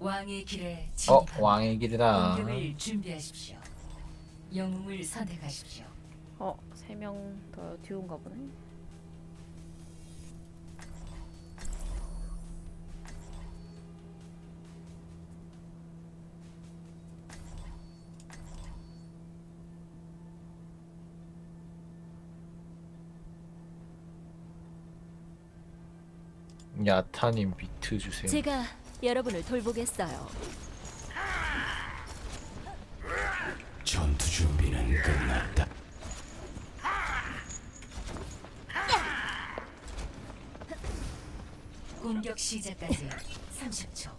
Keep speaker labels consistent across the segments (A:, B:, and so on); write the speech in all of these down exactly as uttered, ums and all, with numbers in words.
A: 왕의 길에
B: 어
A: 진입합니다.
B: 왕의 길이다.
A: 공격을 준비하십시오. 영웅을 선택하십시오.
C: 어, 세 명 더 듀오인가 보네.
B: 야타님 비트 주세요.
D: 제가 여러분을 돌보겠어요.
E: 전투 준비는 끝났다.
A: 공격 시작까지 삼십 초.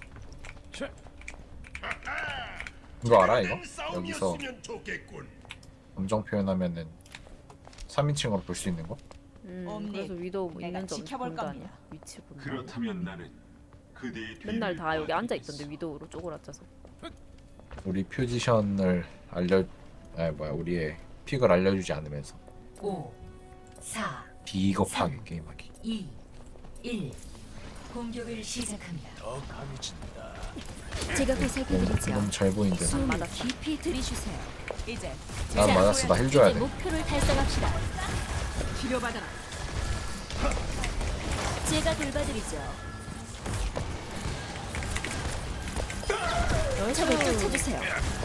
B: 이거 알아 이거? 여기서 감정 표현하면은 삼인칭으로 볼 수 있는 거?
C: 음,
F: 옴니,
C: 그래서 위도우
F: 내가
C: 있는지 없는지
F: 지켜볼
C: 본다
F: 겁니다.
C: 아니야? 위치 본다.
G: 그렇다면 나는 그대의
C: 맨날
G: 뒤를
C: 다 여기 앉아
G: 도와주겠어.
C: 있던데 위도우로 쪼그라져서.
B: 우리 포지션을 알려, 아 뭐야 우리의 픽을 알려주지 않으면서
A: 오, 사,
B: 비겁하게 게임하기.
A: 이, 일. 공격을 시작합니다.
D: 제가 보살펴드리죠.
B: 너무 잘 보이는데.
D: 숨을 깊이 들이쉬세요.
F: 이제
B: 난 맞았어. 나 힐 줘야
D: 이제
B: 돼.
D: 목표를 달성합시다.
F: 치료받아라.
D: 제가 돌봐드리죠. 적을 쫓아주세요.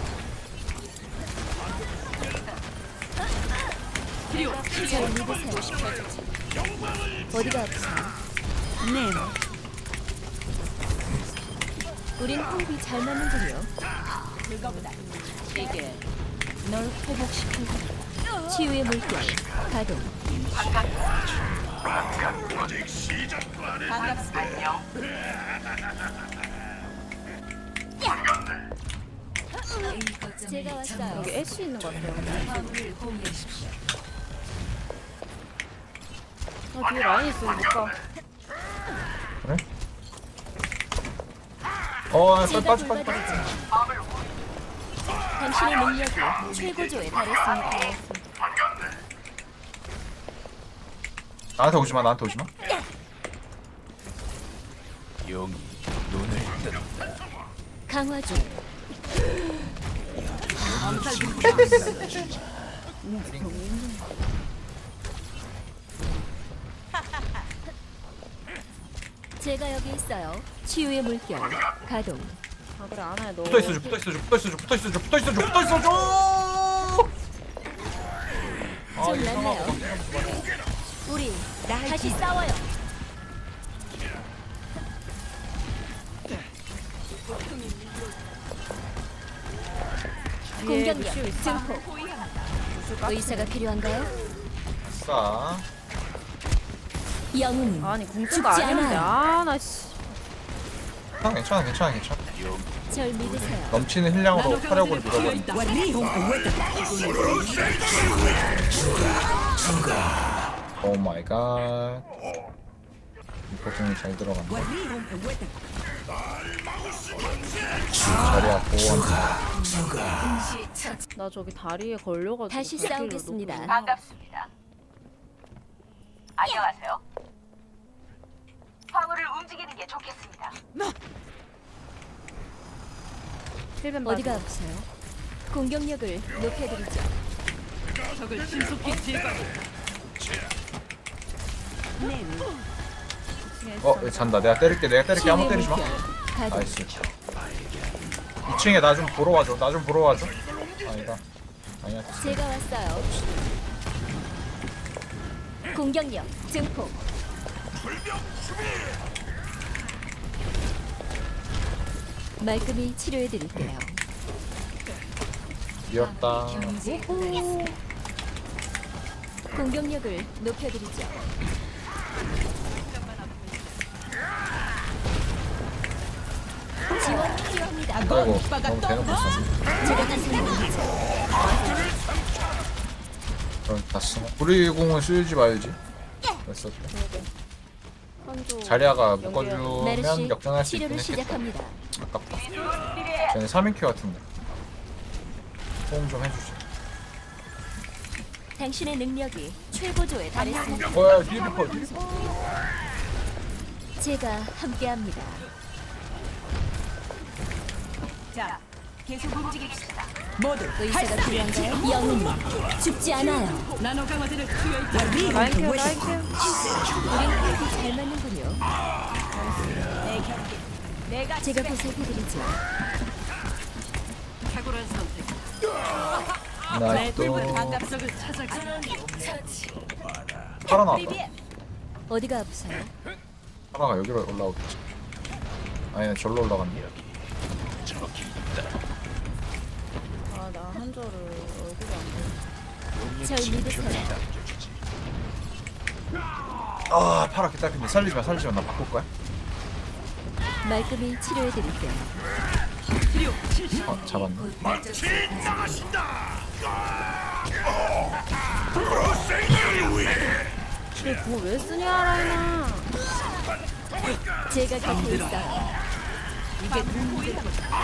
D: 절 믿으세요. 어디가 아프세요?
F: 네.
D: 우린 호흡이 잘 맞는군요.
F: 그거보다 이게
D: 널 회복시킬 거야. 치유의 물결 가동.
F: 반갑습니다.
A: A 거점을
D: 제가 왔어요.
A: 점령.
C: 여기 애쉬 있는 것 같아요.
A: 화물을 공유하십시오.
C: 아, 뒤에 라인 있으면 못 가.
B: 그래? 어, 빨리
D: 제가
B: 빠져 빠져 빠져.
D: 돌봐드리죠. 당신의 능력이 최고조에 달했습니다.
B: 나한테 오지 마. 나한테 오지 마.
E: 영이 눈을 뜬다.
D: 강화 중. 제가 여기 있어요. 치유의 물결 가동.
C: 아, 그래, 안아야 너.
B: 붙어 있어 줘. 붙어 있어 줘. 붙어 있어 줘. 붙어 있어 줘. 붙어 있어 줘. 붙어 있어 줘. 아,
D: 좀
B: 이상하고
D: 낫네요. 우리 다시 싸워요.
C: 뒤에
D: 공격력
C: 루시오 있어.
D: 증폭. 의사가 필요한가요?
B: 싸.
D: 영웅
C: 아니,
D: 죽지
C: 공주가 아니었는데.
D: 않아요.
C: 아, 나 씨.
B: 괜찮아 괜찮아 괜찮아 괜찮아.
D: 절 믿으세요.
B: 넘치는 힐량으로 화력을 밀어버린. 오 마이 갓. 이퍼공이 잘 들어간다. 자리야 보호한다.
A: 동시 처치.
C: 나 저기 다리에 걸려가지고.
D: 다시
C: 발길을
D: 싸우겠습니다.
C: 놓고.
F: 반갑습니다. 안녕하세요. 화물을 움직이는 게 좋겠습니다.
C: 힐벤
D: 어디가
C: 맞아.
D: 아프세요? 공격력을 높여드리죠.
F: 적을 신속히 제거.
B: 어, 얘 잔다. 내가 때릴게. 내가 때릴게. 아무 때리지 마.
D: 가동.
B: 나이스. 이 층에 나 좀 보러 와줘. 나 좀 보러 와줘. 아니다. 아니야.
D: 제가 왔어요. 공격력 증폭. 말끔히 치료해드릴게요.
B: 미웠다.
A: 경제
D: 오. 공격력을 높여드리죠. 지원 필요합니다.
B: 아이고, 너무 대놓고 있어.
D: 제가 가슴입니다.
B: 그럼 다 쓰나? 우리 공은 쓰지 말지. 됐어.
C: 한조.
B: 자리아가
D: 메르시
B: 묶어주면 역전할 수 있긴
D: 치료를
B: 했겠다.
D: 시작합니다.
B: 아깝다. 쟤는 삼 인큐 같은데. 호응 좀 해주지.
D: 당신의 능력이 최고조에 달했습니다.
B: 어, 야, 뒤에 리퍼, 뒤에 리퍼.
D: 제가 함께합니다.
F: 자, 계속 움직입시다.
D: 의사가 필요한가요? 영웅 죽지 않아요.
F: 나노 강화제를 투여했다.
C: 라인 케어 라인 케어.
D: 우린 호흡이 잘 맞는군요.
F: 내 경기. 내가
D: 제가 보살펴드리죠.
F: 탁월한 선택. 내
B: 나이스.
F: 붉은 반갑석을 찾아가.
B: 파라 나왔다.
D: 어디가 아프세요?
B: 파라가 여기로 올라오겠지. 아니네, 절로 올라갔네.
C: 아 나 한조를 얼굴이 안 보여.
D: 절 믿으세요.
B: 아, 파라 개딸핀데 살리지 마, 살리지 마. 나 바꿀 거야.
D: 말끔히 치료해드릴게요.
F: 치료 실시.
B: 어, 잡았네.
A: 곧 목적지에
C: 근데 그거 왜 쓰냐 라인아.
D: 제가 곁에 있어요.
F: 이게 눈보이다.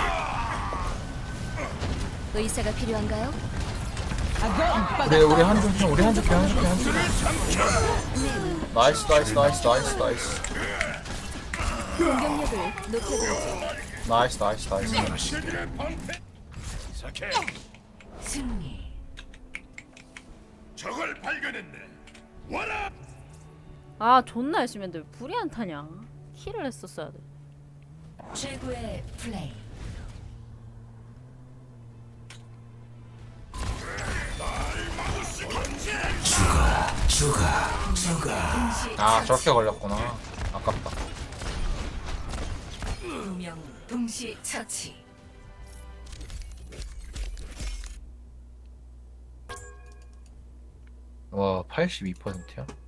D: 의사가 필요한가요?
B: 우리 우리 한줄 편, 우리 한줄 편, 한줄 편, 한줄 편. 나이스, 나이스, 나이스, 나이스, 나이스.
D: 공격력을 높여드리죠.
B: 나이스, 나이스, 나이스.
A: 승리.
G: 적을 발견했네. 와라.
C: 아 존나 열심히 했는데 왜 불이 안 타냐. 킬을 했었어야 돼.
A: 최고의 플레이.
E: 죽어 죽어.
B: 아, 저렇게 걸렸구나. 아깝다.
A: 두명 동시 처치.
B: 와, 팔십이 퍼센트야?